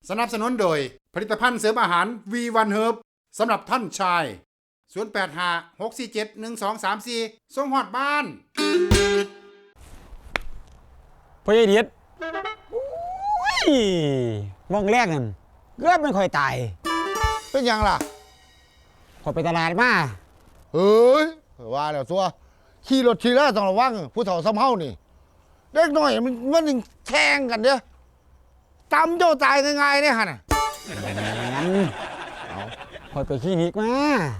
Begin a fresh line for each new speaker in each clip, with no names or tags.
สนับสนุนโดยผลิตภัณฑ์เสริมอาหาร V1 Herb สำหรับท่านชาย0856471234ส่งฮอดบ้าน
พ่อใหญ่เดียดมองแรกนั่นเกือบไม่ค่อยตาย
เป็นยังล่ะ
ขอยไปตลาดมา
เฮ้ยว่าแล้วซัวขี่รถขี่แล้วต้องระวังผู้เฒ่าซ้ำเฮานี่เด็กน้อยมันแทงกันเด้อตำเจ้าตายง่ายๆเนี่ยฮะน่ะ
งั้นขอยไปคลินิกมา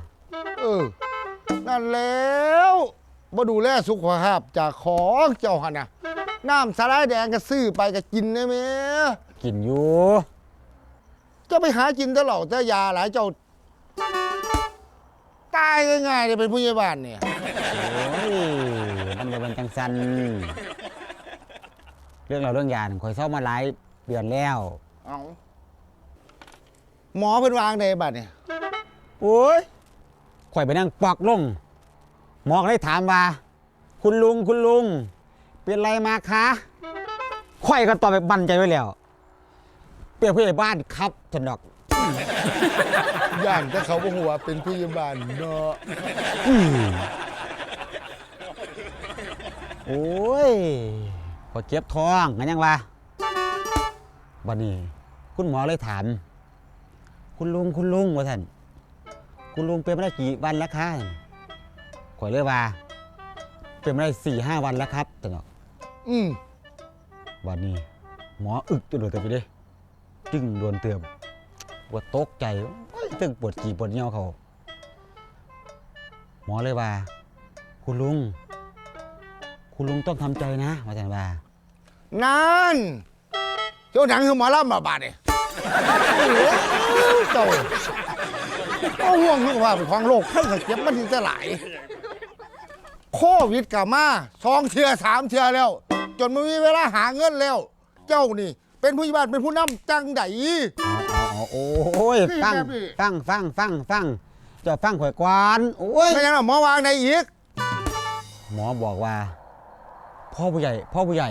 นั่นแล้วมาดูแลสุขภาพจากของเจ้าหันน่ะน้ำสาลายแดงก็ซื้อไปก็กินได้ไหม
กินอยู่
จะไปหากินแต่เหล่าแต่ยาหลายเจ้าตายง่ายๆเลยเป็นผู้ใหญ่บ้านเนี่ย
โอ้ยมันจะเป็นจังสันเรื่องยาข่อยเศร้ามาหลายเดือนแล้ว
เอาหมอเพิ่นวางในบัดเนี่ย
โอ้ยข่อยไปนั่งปอกลงหมอเลยถามว่าคุณลุงเป็นไรมาคะข่อยก็ตอบแบบมั่นใจไว้แล้วเปียกผู้ใหญ่บ้านครับถนดอก
ย่านถ้าเขาบอกว่าเป็นผู้ใหญ่บ้านเนาะ
โอ้ยพอเจ็บท้องงั้นยังวะวันนี้คุณหมอเลยถามคุณลุงว่าท่านคุณลุงเป็นมาได้กี่วันแล้วคะข่อยเลยว่าเป็นมาได้4-5 วันแล้วครับถนดอกวันนี้หมออึกตัวเดือดไปดิจึงโดนเตือนว่าตกใจตึงปวดกี่ปวดเงี้ยวเขาหมอเลยว่าคุณลุงต้องทำใจนะว่าแต่ว่า
นั่นเจ้าหนังคือหมอลำบาดเนี่ยเจ้าห่วงสุขภาพของโลกให้เก็บมันถึงจะหลายโควิดกลับมา2 เทื่อ 3 เทื่อแล้วจนไม่มีเวลาหาเงินแล้วเจ้านี่เป็นผู้ใหญ่บ้านเป็นผู้นำจังได
โอ้ยฟังจะฟังข่อยกวานโอ้ย
ไม่ยังหรอหมอวางในอีก
หมอบอกว่าพ่อผู้ใหญ่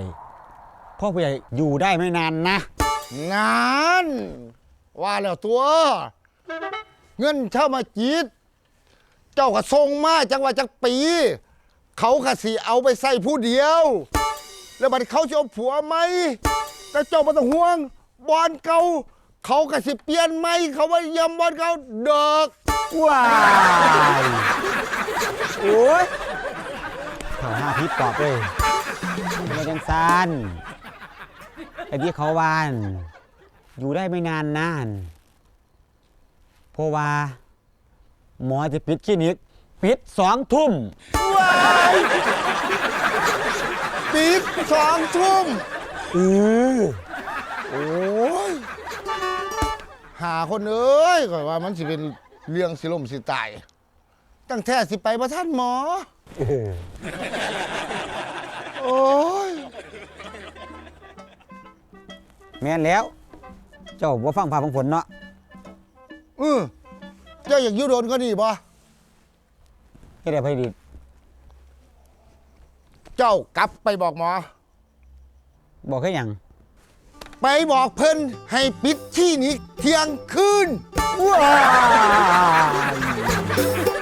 อยู่ได้ไม่นานนะ
งานว่าแล้วตัวเงินเช่ามาจีดเจ้าก็ส่งมาจังว่าจักปีเขาก็สิเอาไปใส่ผู้เดียวแล้วบัดเขาจะเอาผัวไหมแต่เจ้าไม่ต้องห่วงบอลเก่าเขาก็สิเปลี่ยนไหมเขาว่ายำบอลเก่าเด็ก
ว้ายโอ้ยเขาหน้าพิษตอบเลยไม่จังซันไอ้ที่เขาวานอยู่ได้ไม่นานนานเพราะว่าหมอจะปิดคลินิกปิด2 ทุ่ม
ว้ายปิด2 ทุ่มโอ้ยหาคนเอ้ยก่อนว่ามันสิเป็นเรื่องสิล่มสิตายตั้งแท้สิไปบ่ท่านหมอโอ้ย
แม่นแล้วเจ้าบ่ฟังพาฟังฝนเนาะ
เจ้าอยากอยู่โดนก็ดีบ่
เฮ็ดได้ไผดี
เจ้ากลับไปบอกหมอ
บอกแค่หยัง
ไปบอกเพิ่นให้ปิดที่นี้เที่ยงคืน
ว้าว